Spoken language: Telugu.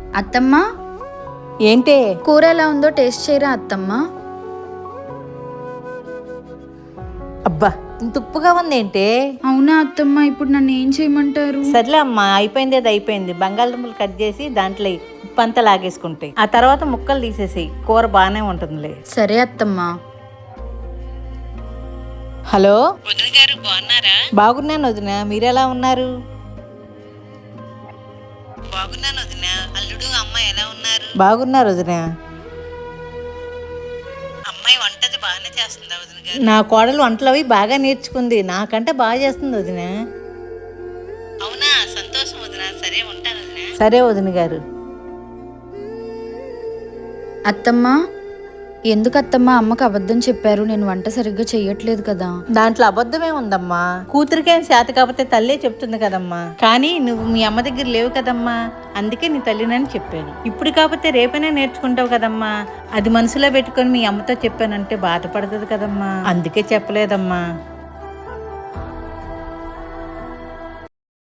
అత్తమ్మ, ఏంటే? కూర ఎలా ఉందో టేస్ట్ చేయరా అత్తమ్మ? అబ్బా, ఇంత ఉప్పుగా ఉందేంటే? అవునా అత్తమ్మ, ఇప్పుడు నన్ను ఏం చేయమంటారు? సర్లే అమ్మా, అయిపోయింది అది అయిపోయింది. బంగాళదుంపలు కట్ చేసి దాంట్లో ఉప్పు అంతా లాగేసుకుంటాయి. ఆ తర్వాత ముక్కలు తీసేసి కూర బాగానే ఉంటుందిలే. సరే అత్తమ్మ. హలో వదిన గారు, బాగున్నారా? బాగున్నాను వదిన, మీరెలా ఉన్నారు? బాగున్నాను వదిన. అల్లుడు అమ్మాయి ఎలా ఉన్నారు? బాగున్నారు వదిన. అమ్మాయి వంటది బాగానే చేస్తుందా వదిన గారు? నా కోడలు వంటలు అవి బాగా నేర్చుకుంది, నాకంటే బాగా చేస్తుంది వదిన. అవునా, సంతోషం వదిన. సరే ఉంటాను వదిన. సరే వదిన గారు. అత్తమ్మ, ఎందుకు అత్తమ్మ అమ్మకు అబద్ధం చెప్పారు? నేను వంట సరిగ్గా చెయ్యట్లేదు కదా. దాంట్లో అబద్ధమే ఉందమ్మా. కూతురికేం చేత కాకపోతే తల్లే చెప్తుంది కదమ్మా. కానీ నువ్వు మీ అమ్మ దగ్గర లేవు కదమ్మా, అందుకే నీ తల్లినని చెప్పాను. ఇప్పుడు కాకపోతే రేపైనా నేర్చుకుంటావు కదమ్మా. అది మనసులో పెట్టుకొని మీ అమ్మతో చెప్పానంటే బాధపడుతుంది కదమ్మా, అందుకే చెప్పలేదమ్మా.